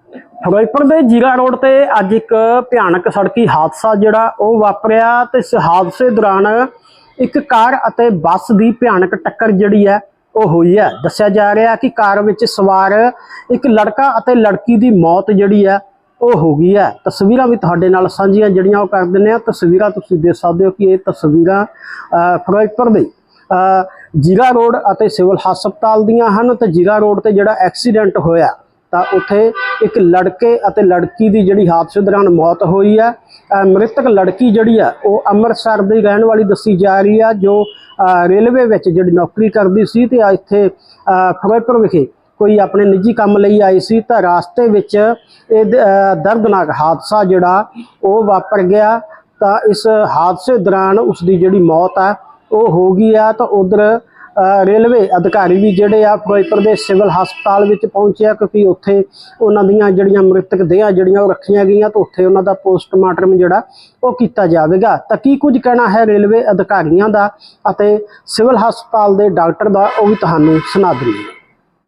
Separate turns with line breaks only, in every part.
ਫਿਰੋਜ਼ਪੁਰ ਦੇ ਜੀਰਾ ਰੋਡ ਤੇ ਅੱਜ ਇੱਕ ਭਿਆਨਕ ਸੜਕੀ ਹਾਦਸਾ ਜਿਹੜਾ ਉਹ ਵਾਪਰਿਆ ਤੇ ਇਸ ਹਾਦਸੇ ਦੌਰਾਨ ਇੱਕ ਕਾਰ ਅਤੇ ਬੱਸ ਦੀ ਭਿਆਨਕ ਟੱਕਰ ਜਿਹੜੀ ਹੈ ਉਹ ਹੋਈ ਹੈ। ਦੱਸਿਆ ਜਾ ਰਿਹਾ ਕਿ ਕਾਰ ਵਿੱਚ ਸਵਾਰ ਇੱਕ ਲੜਕਾ ਅਤੇ ਲੜਕੀ ਦੀ ਮੌਤ ਜਿਹੜੀ ਹੈ ਉਹ ਹੋ ਗਈ ਹੈ। ਤਸਵੀਰਾਂ ਵੀ ਤੁਹਾਡੇ ਨਾਲ ਸਾਂਝੀਆਂ ਜਿਹੜੀਆਂ ਉਹ ਕਰ ਦਿੰਦੇ ਆ। ਤਸਵੀਰਾਂ ਤੁਸੀਂ ਦੇਖ ਸਕਦੇ ਹੋ ਕਿ ਇਹ ਤਸਵੀਰਾਂ ਫਿਰੋਜ਼ਪੁਰ ਦੇ ਜੀਰਾ ਰੋਡ ਅਤੇ ਸਿਵਲ ਹਸਪਤਾਲ ਦੀਆਂ ਹਨ। ਤੇ ਜੀਰਾ ਰੋਡ ਤੇ ਜਿਹੜਾ ਐਕਸੀਡੈਂਟ ਹੋਇਆ ਤਾਂ ਉੱਥੇ ਇੱਕ ਲੜਕੇ ਅਤੇ ਲੜਕੀ ਦੀ ਜਿਹੜੀ ਹਾਦਸੇ ਦੌਰਾਨ ਮੌਤ ਹੋਈ ਹੈ। ਮ੍ਰਿਤਕ ਲੜਕੀ ਜਿਹੜੀ ਆ ਉਹ ਅੰਮ੍ਰਿਤਸਰ ਦੀ ਰਹਿਣ ਵਾਲੀ ਦੱਸੀ ਜਾ ਰਹੀ ਆ, ਜੋ ਰੇਲਵੇ ਵਿੱਚ ਜਿਹੜੀ ਨੌਕਰੀ ਕਰਦੀ ਸੀ ਤੇ ਇੱਥੇ ਫਿਰੋਜ਼ਪੁਰ ਵਿਖੇ ਕੋਈ ਆਪਣੇ ਨਿੱਜੀ ਕੰਮ ਲਈ ਆਈ ਸੀ ਤਾਂ ਰਾਸਤੇ ਵਿੱਚ ਇਹ ਦਰਦਨਾਕ ਹਾਦਸਾ ਜਿਹੜਾ ਉਹ ਵਾਪਰ ਗਿਆ। ਤਾਂ ਇਸ ਹਾਦਸੇ ਦੌਰਾਨ ਉਸ ਦੀ ਜਿਹੜੀ ਮੌਤ ਆ ਉਹ ਹੋ ਗਈ ਆ। ਤਾਂ ਉਧਰ ਰੇਲਵੇ ਅਧਿਕਾਰੀ ਵੀ ਜਿਹੜੇ ਆ ਫਿਰੋਜ਼ਪੁਰ ਦੇ ਸਿਵਲ ਹਸਪਤਾਲ ਵਿੱਚ ਪਹੁੰਚਿਆ, ਕਿਉਂਕਿ ਉੱਥੇ ਉਹਨਾਂ ਦੀਆਂ ਜਿਹੜੀਆਂ ਮ੍ਰਿਤਕ ਦੇਹਾਂ ਜਿਹੜੀਆਂ ਉਹ ਰੱਖੀਆਂ ਗਈਆਂ ਤਾਂ ਉੱਥੇ ਉਹਨਾਂ ਦਾ ਪੋਸਟਮਾਰਟਮ ਜਿਹੜਾ ਉਹ ਕੀਤਾ ਜਾਵੇਗਾ। ਤਾਂ ਕੀ ਕੁਝ ਕਹਿਣਾ ਹੈ ਰੇਲਵੇ ਅਧਿਕਾਰੀਆਂ ਦਾ ਅਤੇ ਸਿਵਲ ਹਸਪਤਾਲ ਦੇ ਡਾਕਟਰ ਦਾ ਉਹ ਵੀ ਤੁਹਾਨੂੰ ਸੁਣਾ ਦਿੰਦੇ ਹਾਂ।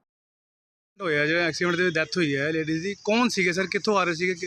ਹੋਇਆ ਜਿਹੜਾ ਐਕਸੀਡੈਂਟ ਦੇ ਡੈਥ ਹੋਈ ਹੈ ਲੇਡੀਜ਼ ਦੀ, ਕੌਣ ਸੀਗੇ ਸਰ, ਕਿੱਥੋਂ ਆ ਰਹੇ ਸੀਗੇ?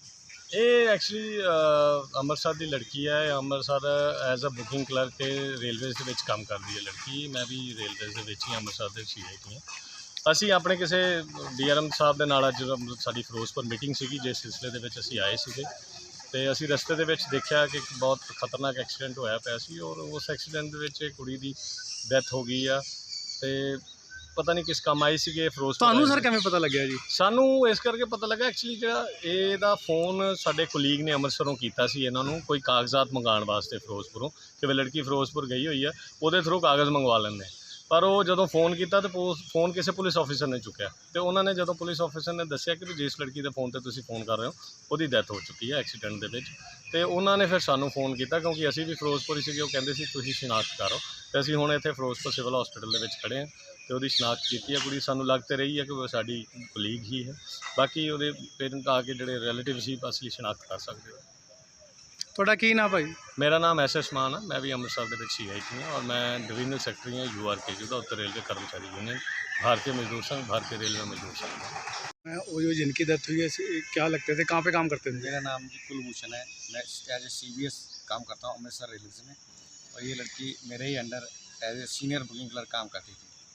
ਇਹ ਐਕਚੁਅਲੀ ਅੰਮ੍ਰਿਤਸਰ ਦੀ ਲੜਕੀ ਹੈ। Amritsar as a booking clerk ਤੇ ਰੇਲਵੇਜ਼ ਦੇ ਵਿੱਚ ਕੰਮ ਕਰਦੀ ਹੈ ਲੜਕੀ। ਮੈਂ ਵੀ ਰੇਲਵੇਜ਼ ਦੇ ਵਿੱਚ ਹੀ ਅੰਮ੍ਰਿਤਸਰ ਦੇ ਸੀਆਈਟੀ ਹਾਂ। ਅਸੀਂ ਆਪਣੇ ਕਿਸੇ ਡੀਆਰਐਮ ਸਾਹਿਬ ਦੇ ਨਾਲ ਅੱਜ ਸਾਡੀ ਫਿਰੋਜ਼ਪੁਰ ਮੀਟਿੰਗ ਸੀਗੀ, ਜਿਸ ਸਿਲਸਿਲੇ ਦੇ ਵਿੱਚ ਅਸੀਂ ਆਏ ਸੀਗੇ ਤੇ ਅਸੀਂ ਰਸਤੇ ਦੇ ਵਿੱਚ ਦੇਖਿਆ ਕਿ ਇੱਕ ਬਹੁਤ ਖਤਰਨਾਕ ਐਕਸੀਡੈਂਟ ਹੋਇਆ ਪਿਆ ਸੀ ਔਰ ਉਸ ਐਕਸੀਡੈਂਟ ਦੇ ਵਿੱਚ ਕੁੜੀ ਦੀ ਡੈਥ ਹੋ ਗਈ ਆ। ਤੇ ਪਤਾ ਨਹੀਂ ਕਿਸ ਕੰਮ ਆਈ ਸੀਗੇ ਫਿਰੋਜ਼ਪੁਰ।
ਤੁਹਾਨੂੰ ਸਰ ਕਿਵੇਂ ਪਤਾ ਲੱਗਿਆ ਜੀ?
ਸਾਨੂੰ ਇਸ ਕਰਕੇ ਪਤਾ ਲੱਗਾ ਐਕਚੁਅਲੀ ਜਿਹੜਾ ਇਹਦਾ ਫੋਨ ਸਾਡੇ ਕੁਲੀਗ ਨੇ ਅੰਮ੍ਰਿਤਸਰੋਂ ਕੀਤਾ ਸੀ ਇਹਨਾਂ ਨੂੰ ਕੋਈ ਕਾਗਜ਼ਾਤ ਮੰਗਾਉਣ ਵਾਸਤੇ ਫਿਰੋਜ਼ਪੁਰੋਂ, ਕਿ ਵੀ ਲੜਕੀ ਫਿਰੋਜ਼ਪੁਰ ਗਈ ਹੋਈ ਆ, ਉਹਦੇ ਥਰੂ ਕਾਗਜ਼ ਮੰਗਵਾ ਲੈਂਦੇ। ਪਰ ਉਹ ਜਦੋਂ ਫ਼ੋਨ ਕੀਤਾ ਤਾਂ ਫੋਨ ਕਿਸੇ ਪੁਲਿਸ ਆਫੀਸਰ ਨੇ ਚੁੱਕਿਆ ਤੇ ਉਹਨਾਂ ਨੇ ਜਦੋਂ ਪੁਲਿਸ ਆਫੀਸਰ ਨੇ ਦੱਸਿਆ ਕਿ ਵੀ ਜਿਸ ਲੜਕੀ ਦੇ ਫੋਨ ਤੇ ਤੁਸੀਂ ਫੋਨ ਕਰ ਰਹੇ ਹੋ ਉਹਦੀ ਡੈਥ ਹੋ ਚੁੱਕੀ ਹੈ ਐਕਸੀਡੈਂਟ ਦੇ ਵਿੱਚ। ਤੇ ਉਹਨਾਂ ਨੇ ਫਿਰ ਸਾਨੂੰ ਫੋਨ ਕੀਤਾ, ਕਿਉਂਕਿ ਅਸੀਂ ਵੀ ਫਿਰੋਜ਼ਪੁਰ ਹੀ ਸੀਗੇ। ਉਹ ਕਹਿੰਦੇ ਸੀ ਤੁਸੀਂ ਸ਼ਨਾਖਤ ਕਰੋ ਤੇ ਅਸੀਂ ਹੁਣ ਇੱਥੇ ਫਿਰੋਜ਼ਪੁਰ ਸਿਵਲ ਹਸਪੀਟਲ ਦੇ ਵਿੱਚ ਖੜ੍ਹੇ ਹਾਂ ਤੇ ਉਹਦੀ ਸ਼ਨਾਖਤ ਕੀਤੀ ਹੈ। ਕੁੜੀ ਸਾਨੂੰ ਲੱਗ ਤੇ ਰਹੀ ਹੈ ਕਿ ਉਹ ਸਾਡੀ ਕੁਲੀਗ ਹੀ ਹੈ। ਬਾਕੀ ਉਹਦੇ ਪੇਰੈਂਟ ਆ ਕੇ ਜਿਹੜੇ ਰਿਲੇਟਿਵ ਸੀ ਅਸਲੀ ਸ਼ਨਾਖਤ ਕਰ ਸਕਦੇ ਹੋ।
ਤੁਹਾਡਾ ਕੀ ਨਾਮ ਭਾਈ?
ਮੇਰਾ ਨਾਮ ਐਸ ਮਾਨ ਹੈ। मैं भी अमृतसर के सीआईटी हूँ और मैं डिवीजनल सेक्रेटरी हूँ URKU का, उत्तर रेलवे कर्मचारी यूनियन, भारतीय मजदूर संघ, भारतीय रेलवे मजदूर संघ।
मैं वो जो जिनकी डेथ हुई है क्या लगते थे, कहाँ पे काम करते थे?
मेरा नाम जी कुलभूषण है। मैं एज ए CBS काम करता हूँ अमृतसर रेलवे में और ये लड़की मेरे ही under age a senior booking clerk काम करती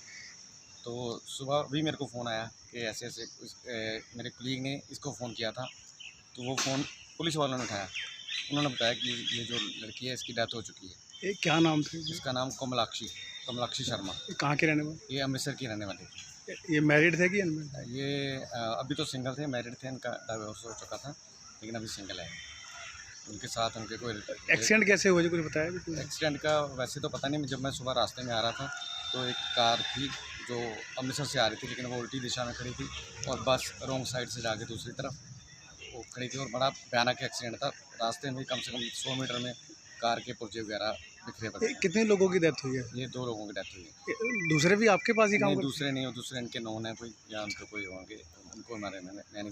थी। तो सुबह भी मेरे को फ़ोन आया कि ऐसे ऐसे मेरे कुलीग ने इसको फ़ोन किया था, तो वो फ़ोन पुलिस वालों ने उठाया। उन्होंने बताया कि ये जो लड़की है इसकी डेथ हो चुकी है।
ये क्या नाम थे?
इसका नाम कमलाक्षी शर्मा।
ये कहाँ के रहने वाले?
ये अमृतसर की रहने वाली थी।
ये मैरिड थे कि अनमैरिड?
ये अभी तो सिंगल थे, मैरिड थे, इनका डाइवोर्स हो चुका था लेकिन अभी सिंगल है। उनके साथ उनके कोई
एक्सीडेंट कैसे हुआ, कुछ बताया?
एक्सीडेंट का वैसे तो पता नहीं। जब मैं सुबह रास्ते में आ रहा था तो एक कार थी जो अमृतसर से आ रही थी, लेकिन वो उल्टी दिशा में खड़ी थी और बस रॉन्ग साइड से जाके दूसरी तरफ वो खड़ी थी और बड़ा भयानक एक्सीडेंट था। रास्ते में कम से कम 100 मीटर में कार के पुर्जे वगैरह बिखरे पड़े।
कितने लोगों की डेथ हुई है?
ये 2 लोगों की डेथ हुई है।
दूसरे भी आपके पास ही काम?
दूसरे नहीं हो, दूसरे इनके नॉन है कोई या उनके कोई होंगे, उनको हमारे मैं नहीं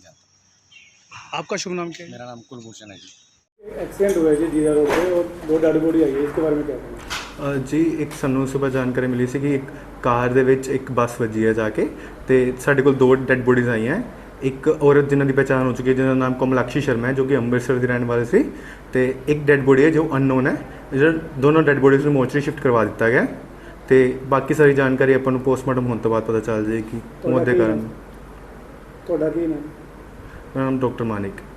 जानता।
आपका शुभ नाम क्या है?
मेरा नाम कुलभूषण है जी।
एक्सीडेंट हुआ है जी जीरा रोड पे और 2 डेड बॉडी आई है, इसके बारे में क्या कहना?
ਜੀ ਇੱਕ ਸਾਨੂੰ ਸਵੇਰ ਜਾਣਕਾਰੀ ਮਿਲੀ ਸੀ ਕਿ ਇੱਕ ਕਾਰ ਦੇ ਵਿੱਚ ਇੱਕ ਬੱਸ ਵੱਜੀ ਹੈ ਜਾ ਕੇ ਤੇ ਸਾਡੇ ਕੋਲ 2 ਡੈੱਡ ਬੋਡੀਜ਼ ਆਈਆਂ। ਇੱਕ ਔਰਤ ਜਿਨ੍ਹਾਂ ਦੀ ਪਛਾਣ ਹੋ ਚੁੱਕੀ ਹੈ, ਜਿਹਦਾ ਨਾਮ ਕਮਲਾਕਸ਼ੀ ਸ਼ਰਮਾ ਹੈ, ਜੋ ਕਿ ਅੰਮ੍ਰਿਤਸਰ ਦੀ ਰਹਿਣ ਵਾਲੀ ਸੀ, ਤੇ ਇੱਕ ਡੈੱਡ ਬੋਡੀ ਹੈ ਜੋ ਅਨਨੋਨ ਹੈ। ਜਿਹੜਾ ਦੋਨੋਂ ਡੈੱਡ ਬੋਡੀਜ਼ ਨੂੰ ਮੋਰਚਰੀ ਸ਼ਿਫਟ ਕਰਵਾ ਦਿੱਤਾ ਗਿਆ ਤੇ ਬਾਕੀ ਸਾਰੀ ਜਾਣਕਾਰੀ ਆਪਾਂ ਨੂੰ ਪੋਸਟਮਾਰਟਮ ਹੋਣ ਤੋਂ ਬਾਅਦ ਪਤਾ ਚੱਲ ਜਾਏਗੀ ਮੌਤ ਦੇ ਕਾਰਨ।
ਤੁਹਾਡਾ ਕੀ ਨਾਮ?
ਮੇਰਾ ਨਾਮ ਡਾਕਟਰ ਮਾਨਿਕ।